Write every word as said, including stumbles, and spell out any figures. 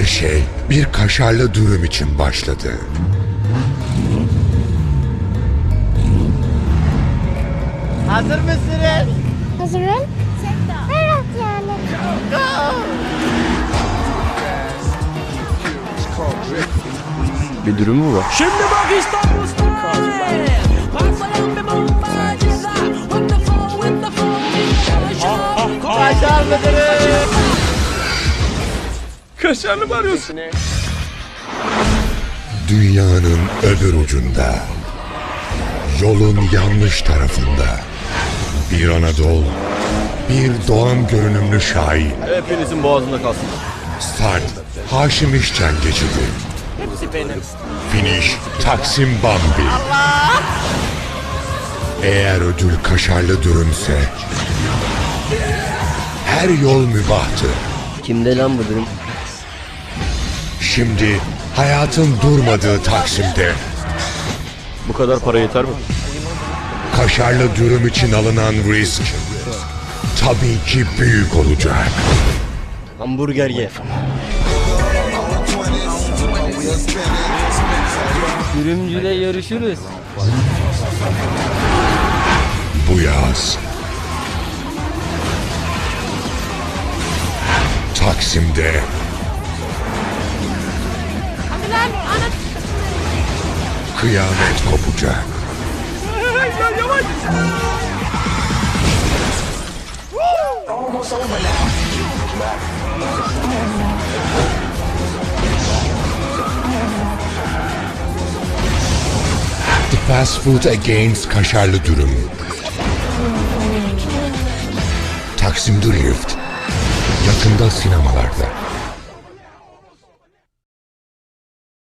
Her şey bir kaşarlı dürüm için başladı. Hazır mısınız? Hazırım. Evet yani. Bir dürüm mü var? Şimdi bak İstanbul style. Parçalan bir bombacıza. With the flow, with the flow. Kaşarlı dürüm. Kaşarlı mı arıyorsun? Dünyanın öbür ucunda, yolun yanlış tarafında, bir Anadolu, bir Doğan görünümlü Şahin. Hepinizin boğazında kalsın. Start Haşim İşcan geçidi. Hepsi benim. Finish Taksim Bambi. Eğer ödül kaşarlı dürümse her yol mübahtır. Kimde lan bu dürüm? Şimdi hayatın durmadığı Taksim'de Bu kadar para yeter mi? kaşarlı dürüm için alınan risk tabii ki büyük olacak. Hamburger ye. Dürümcüyle yarışırız. Bu yaz Taksim'de kıyamet kopacak. The Fast Food Against kaşarlı dürüm. Taksim Drift yakında sinemalarda.